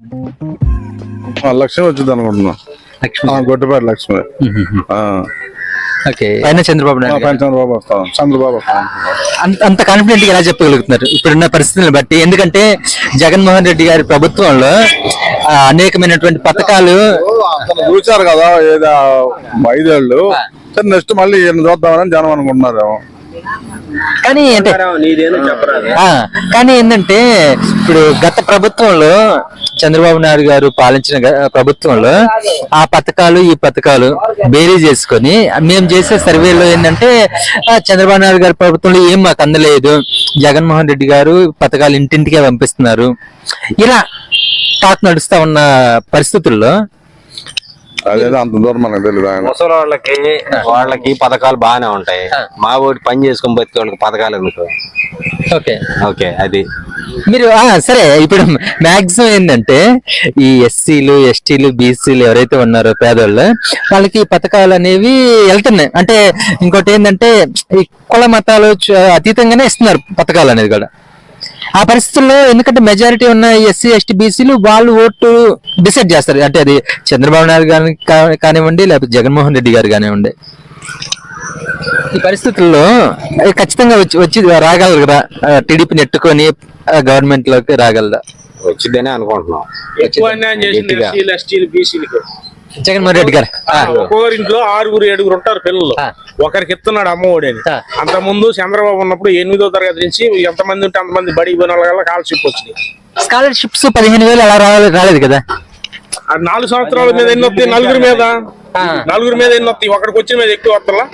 లక్ష్మి వచ్చింది అనుకుంటున్నా. గొడ్డపాటి లక్ష్మి. పైన చంద్రబాబు నాయుడు చంద్రబాబు వస్తాం. చంద్రబాబు అంత కాన్ఫిడెంట్ గా ఎలా చెప్పగలుగుతున్నారు ఇప్పుడున్న పరిస్థితులను బట్టి? ఎందుకంటే జగన్మోహన్ రెడ్డి గారి ప్రభుత్వంలో అనేకమైనటువంటి పథకాలు చూశారు కదా, ఏదో 5 ఏళ్ళు. నెక్స్ట్ మళ్ళీ చూద్దామని జనం అనుకుంటున్నారు. కానీ ఏంటంటే ఇప్పుడు గత ప్రభుత్వంలో చంద్రబాబు నాయుడు గారు పాలించిన ప్రభుత్వంలో ఆ పథకాలు ఈ పథకాలు బేరీ చేసుకొని మేము చేసే సర్వేలో ఏంటంటే చంద్రబాబు నాయుడు గారి ప్రభుత్వంలో ఏం మాకు అందలేదు, జగన్మోహన్ రెడ్డి గారు పథకాలు ఇంటింటికే పంపిస్తున్నారు, ఇలా టాక్ నడుస్తా ఉన్న పరిస్థితుల్లో అదేదో అంత దూరం మనకు తెలియదు. ముసలి వాళ్ళకి పథకాలు బాగానే ఉంటాయి. మా ఓడి పని చేసుకుని బతికే వాళ్ళకి పథకాలు ఎందుకు? ఓకే అది మీరు సరే. ఇప్పుడు మాక్సిమం ఏంటంటే ఈ ఎస్సీలు ఎస్టీలు బీసీలు ఎవరైతే ఉన్నారో పేదోళ్ళు, వాళ్ళకి పథకాలు అనేవి వెళ్తున్నాయి. అంటే ఇంకోటి ఏంటంటే ఈ కుల మతాలు అతీతంగానే ఇస్తున్నారు పథకాలు అనేది కూడా. ఆ పరిస్థితుల్లో ఎందుకంటే మెజారిటీ ఉన్న ఎస్సీ ఎస్టీ బీసీలు వాళ్ళు ఓటు డిసైడ్ చేస్తారు. అంటే అది చంద్రబాబు నాయుడు గారు కానివ్వండి, లేకపోతే జగన్మోహన్ రెడ్డి గారు కానివ్వండి. ఈ పరిస్థితుల్లో ఖచ్చితంగా వచ్చి రాగలరు కదా, టీడీపీ నెట్టుకొని గవర్నమెంట్ లోకి రాగలదా? వచ్చిందనే అనుకుంటున్నాం. జగన్మోహన్ రెడ్డి గారు ఒక్కొక్కరి ఇంట్లో 6-7 ఉంటారు పిల్లలు. ఒకరికి ఇస్తున్నాడు అమ్మఒడి అని. అంత ముందు చంద్రబాబు ఉన్నప్పుడు 8వ తరగతి నుంచి ఎంతమంది ఉంటే అంతమంది బడికి పోయిన వాళ్ళ స్కాలర్షిప్ వచ్చింది. స్కాలర్షిప్స్ 15,000 అలా రాలేదు కదా. 4 సంవత్సరాల మీద ఎన్ని వస్తాయి? నలుగురి మీద ఎన్ని వస్తాయి? ఒకరికి వచ్చిన మీద ఎక్కువ వస్తా.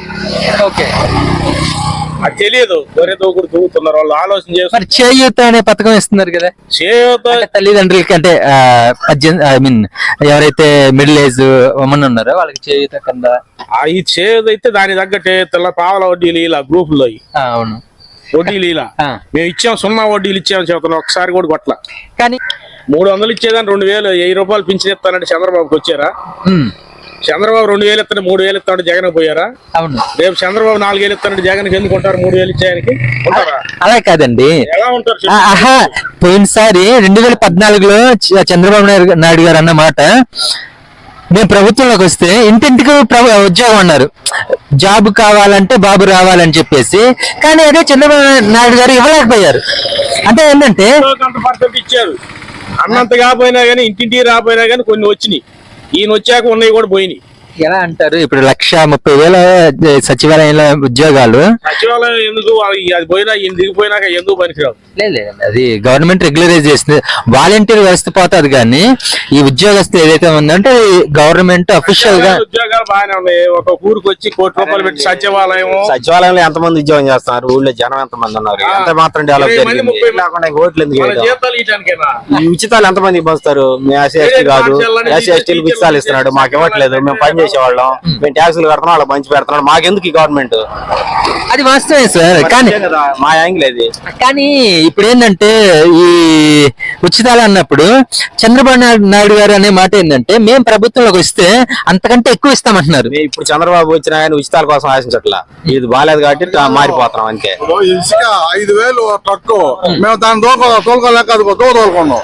అది తెలియదు. ఒరే దూకుడు దూకుతున్నారు వాళ్ళు. ఆలోచన చేస్తారు. చేయూత అనే పథకం ఇస్తున్నారు కదా. చేయూత తల్లిదండ్రులకి అంటే 18 ఎవరైతే మిడిల్ ఏజ్ ఉమెన్ ఉన్నారో వాళ్ళకి చేయూత కింద. ఈ చేయూత అయితే దాని తగ్గట్టు పావల వడ్డీలు ఇలా గ్రూపుల్లో అవును వడ్డీలు ఇలా మేము ఇచ్చాం. 0 వడ్డీలు ఇచ్చామని చెబుతున్నాం. ఒకసారి కూడా కొట్ల. కానీ 300 ఇచ్చేదాన్ని 2,000 1000 రూపాయలు పింఛన్ ఇస్తానంటే చంద్రబాబుకి వచ్చారా? చంద్రబాబు 2,000 ఇస్తాను 3,000 ఇస్తాడు జగన్ పోయారా? అవును. రేపు చంద్రబాబు 4,000 ఇస్తాడు జగన్కి ఎందుకు ఉంటారు? 3,000 ఇచ్చేయడానికి ఉంటారా? అలా కాదండి. ఎలా ఉంటారు? పోయినసారి 2014లో చంద్రబాబు నాయుడు గారు అన్న మాట, మేము ప్రభుత్వంలోకి వస్తే ఇంటింటికి ఉద్యోగం అన్నారు, జాబ్ కావాలంటే బాబు రావాలని చెప్పేసి. కానీ అదే చంద్రబాబు నాయుడు గారు ఇవ్వలేకపోయారు. అంటే ఏంటంటే ఇచ్చారు. అన్నంత కాకపోయినా కానీ ఇంటింటికి రాపోయినా కానీ కొన్ని వచ్చినాయి. ఈయన వచ్చాక ఉన్నాయి కూడా పోయినాయి. ఎలా అంటారు? ఇప్పుడు 1,30,000 సచివాలయంలో ఉద్యోగాలు. సచివాలయం ఎందుకు? అది పోయినా ఈయన దిగిపోయినాక ఎందుకు పనికిరావు? లేదు, అది గవర్నమెంట్ రెగ్యులరైజ్ చేస్తుంది. వాలంటీర్ వ్యవస్థ పోతుంది కానీ ఈ ఉద్యోగస్తులు ఏదైతే ఉందంటే గవర్నమెంట్ అఫీషియల్ గా ఉద్యోగాలు బాగానే ఉన్నాయి. ఒక ఊరికి వచ్చి 1 కోటి రూపాయలు పెట్టి సచివాలయంలో ఎంతమంది ఉద్యోగం చేస్తున్నారు? ఊళ్ళో జనం ఎంతమంది ఉన్నారు? ఎంత మాత్రం డెవలప్ లేకుండా ఓట్లు ఎందుకు? ఈ ఉచితాలు ఎంతమంది పంచుతారు? మేము ఎస్సీ ఎస్టీ కాదు, ఎస్సీ ఎస్టీలు ఉచితాలు ఇస్తున్నాడు, మాకు ఇవ్వట్లేదు. మేము పని చేసేవాళ్ళం, మేము ట్యాక్సులు కడుతున్నాం, వాళ్ళకి మంచి పెడుతున్నాడు, మాకెందుకు ఈ గవర్నమెంట్? అది వాస్తవే సార్. కానీ మా యాంగిల్ అది. కానీ ఇప్పుడు ఏంటంటే ఈ ఉచితాలు అన్నప్పుడు చంద్రబాబు నాయుడు గారు అనే మాట ఏంటంటే మేము ప్రభుత్వంలోకి వస్తే అంతకంటే ఎక్కువ ఇస్తామంటున్నారు. ఇప్పుడు చంద్రబాబు వచ్చినా కానీ ఉచితాల కోసం ఆశించట్లా. ఇది బాగాలేదు కాబట్టి మారిపోతున్నాం అంతే. ఇసుక 5,000 ట్రక్ మేము దాన్ని తోలుకోలేక తోలుకున్నాం.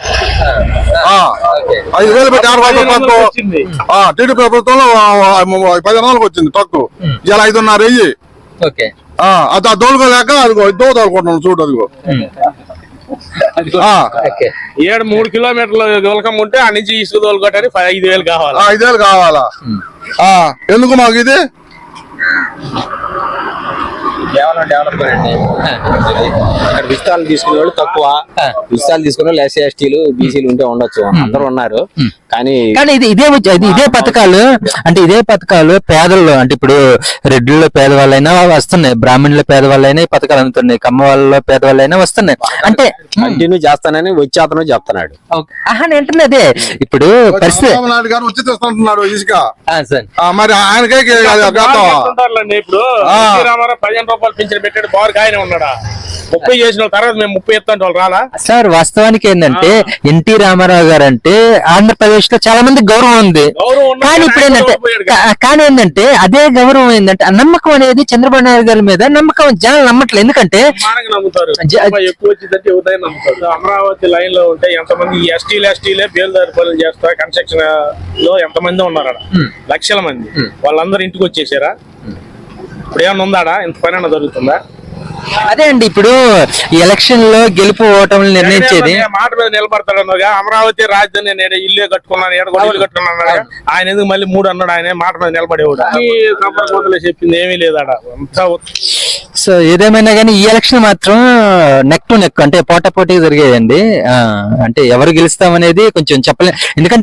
5,000 పెట్టి 6 ట్రక్ టీడీ ప్రభుత్వంలో 10 నెలలకు వచ్చింది ట్రక్. ఇలా 5.5 వెయ్యి. అది తోలుకోలేక అదిగో తోలుకుంటున్నాం. చూడు అదిగో 3 కిలోమీటర్ల దూలకం ఉంటే ఆ నుంచి ఇసుక తోలుకోవటానికి 5,000 కావాలా? 5,000 కావాలా? ఎందుకు మాకు ఇది? కేవలం డెవలప్మెంట్. ఇక్కడ విస్తాలు తీసుకునే వాళ్ళు తక్కువ, విస్తాలు తీసుకునే వాళ్ళు ఎస్సీ ఎస్టీలు బీసీలు ఉంటే ఉండొచ్చు, అందరూ ఉన్నారు. కానీ ఇదే పథకాలు అంటే ఇదే పథకాలు పేదల్లో అంటే ఇప్పుడు రెడ్డిల్లో పేదవాళ్ళైనా వస్తున్నాయి, బ్రాహ్మణుల పేదవాళ్ళైనా ఈ పథకాలు అందుతున్నాయి, కమ్మ వాళ్ళలో పేదవాళ్ళైనా వస్తున్నాయి. అంటే కంటిన్యూ చేస్తానని వచ్చి అతను చెప్తున్నాడు. అంటే అదే ఇప్పుడు పరిస్థితి. ఇసుక మరి ఆయనకే ఇప్పుడు రూపాయలు పింఛన్ పెట్టాడు బాగా ఆయన ఉన్నాడా 30 చేసిన వాళ్ళ తర్వాత మేము 30 ఎత్తాంటే వాళ్ళు రాలా సార్ వాస్తవానికి ఏంటంటే ఎన్టీ రామారావు గారు అంటే ఆంధ్రప్రదేశ్ లో చాలా మంది గౌరవం ఉంది. గౌరవం ఉన్నా కానీ ఇప్పుడు ఆయన ఏంటంటే గౌరవం పోయాడు కానీ ఏంటంటే అదే గౌరవం ఏంటంటే ఆ నమ్మకం అనేది చంద్రబాబు నాయుడు గారి మీద నమ్మకం జనాలు నమ్మట్లేదు. ఎందుకంటే మానగా నమ్ముతారు ఎక్కువ వచ్చిందంటే ఎవరైనా నమ్ముతారు. అమరావతి లైన్ లో ఉంటే ఎంతమంది ఎస్టీలే బేల్దారి పనులు చేస్తారు. కన్స్ట్రక్షన్ లో ఎంతమంది ఉన్నారు అక్కడ లక్షల మంది. వాళ్ళందరూ ఇంటికి వచ్చేసారా? ఇప్పుడు ఏమన్నా ఉందాడా? ఇంత పని అన్న జరుగుతుందా? అదే అండి ఇప్పుడు ఈ ఎలక్షన్ లో గెలుపు ఓటములు నిర్ణయించేది మాట మీద నిలబడతాడు అన్నగా. అమరావతి రాజధాని నేను ఇల్లు కట్టుకున్నాను ఇల్లు కట్టుకున్నాను ఆయన ఎందుకు మళ్ళీ 3 అన్నాడు. ఆయన మాట మీద నిలబడేవాడు. సంపర్కోతలే చెప్పింది ఏమీ లేదాడా అంతా. సో ఏదేమైనా కానీ ఈ ఎలక్షన్ మాత్రం నెక్ టు నెక్ అంటే పోటాపోటీ జరిగేదండి. అంటే ఎవరు గెలుస్తామనేది కొంచెం చెప్పలేదు. ఎందుకంటే